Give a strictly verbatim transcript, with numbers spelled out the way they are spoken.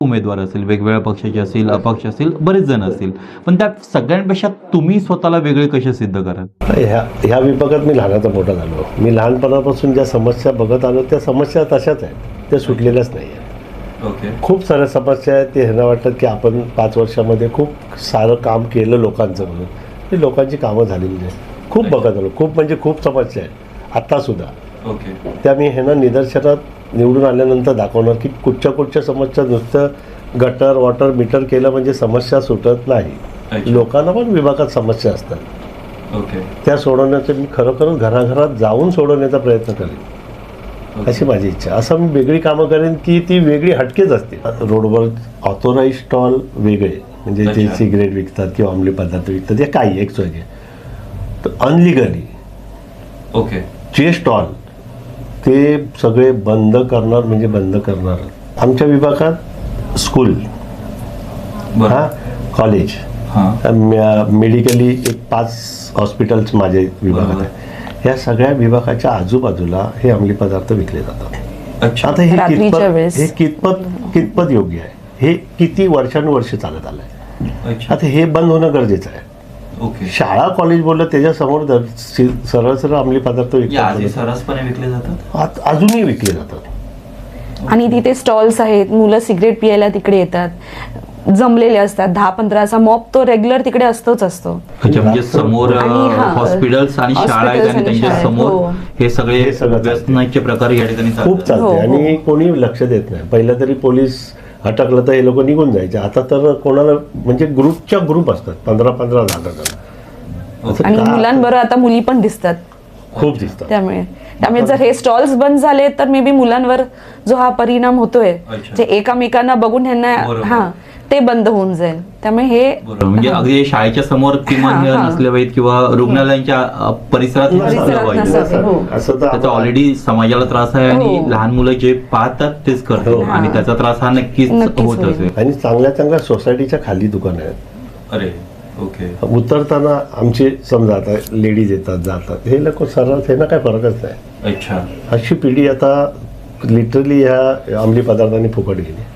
उमेदवार असेल, वेगवेगळ्या पक्षाचे असतील, अपक्ष असतील, बरेच जण असतील, पण त्यात सगळ्यांपेक्षा तुम्ही स्वतःला वेगळे कसे सिद्ध कराल? ह्या ह्या विभागात मी लहानाचा मोठा झालो. मी लहानपणापासून ज्या समस्या बघत आलो त्या समस्या तशाच आहेत, त्या सुटलेल्याच नाही आहेत. ओके. खूप साऱ्या समस्या आहेत. ते ह्यांना वाटतं की आपण पाच वर्षामध्ये खूप सारं काम केलं लोकांचं म्हणून. ही लोकांची कामं झालेली नाही. खूप बघत आलो, खूप म्हणजे खूप समस्या आहेत आत्तासुद्धा. ओके. त्या मी ह्यांना निदर्शनात निवडून आल्यानंतर दाखवणार की कुठच्या कुठच्या समस्या नुसतं गटर वॉटर मीटर केलं म्हणजे समस्या सुटत नाही. लोकांना पण विभागात समस्या असतात. ओके. त्या सोडवण्याचं मी खरोखर घराघरात जाऊन सोडवण्याचा प्रयत्न करेन अशी माझी इच्छा. असं मी वेगळी कामं करेन की ती वेगळी हटकेच असते. रोडवर ऑथोराईज स्टॉल वेगळे म्हणजे जे सिगरेट विकतात किंवा अंमली पदार्थ विकतात या काही एक सोय तर अनलिगली ओके जे स्टॉल ते सगळे बंद करणार म्हणजे बंद करणार. आमच्या विभागात स्कूल हां कॉलेज मेडिकली एक पाच हॉस्पिटल्स माझे विभागात आहे. या सगळ्या विभागाच्या आजूबाजूला हे अंमली पदार्थ विकले जातात. आता हे कितपत हे कितपत कितपत योग्य आहे? हे किती वर्षानुवर्ष चालत आलं आहे. आता हे बंद होणं गरजेचं आहे. ओके. शाळा कॉलेज बोललं त्याच्यासमोर सरळ सरळ अंमली पदार्थ विकले सर्रासपणे विकले जातात, अजूनही विकले जातात. आणि तिथे स्टॉल्स आहेत, मुलं सिगरेट पियायला तिकडे येतात, जमलेले असतात. दहा पंधराचा मॉब तो रेग्युलर तिकडे असतोच असतो. म्हणजे समोर हॉस्पिटल्स आणि शाळा आहेत आणि त्यांच्या समोर हे सगळे व्यसनाचे प्रकार या ठिकाणी खूप चालते आणि कोणी लक्ष देत नाही. पहिलं तरी पोलीस अटकलं तर हे लोक निघून जायचे. आता तर कोणाला म्हणजे ग्रुपच्या ग्रुप असतात पंधरा पंधरा जागा आणि मुलांबरोबर आता मुली पण दिसतात, खूप दिसतात. त्यामुळे त्यामुळे जर हे स्टॉल्स बंद झाले तर मे बी मुलांवर जो हा परिणाम होतोय जे एकामेकांना बघून ह्यांना हा ते बंद होऊन जाईल. त्यामुळे हे म्हणजे अगदी शाळेच्या समोर किमान नसले पाहिजेत किंवा रुग्णालयांच्या परिसरात नसलं पाहिजे. त्याचा ऑलरेडी समाजाला त्रास आहे आणि लहान मुलं जे पाहतात तेच करतात आणि त्याचा त्रास हा नक्कीच होत असेल. आणि चांगल्या चांगल्या सोसायटीच्या खाली दुकान आहेत. अरे ओके. उतरताना आमचे समजा आता लेडीज येतात जातात हे लोक सर्व त्यांना काय फरकच नाही. अच्छा. अशी पिढी आता लिटरली ह्या अंमली पदार्थांनी फुकट गेली.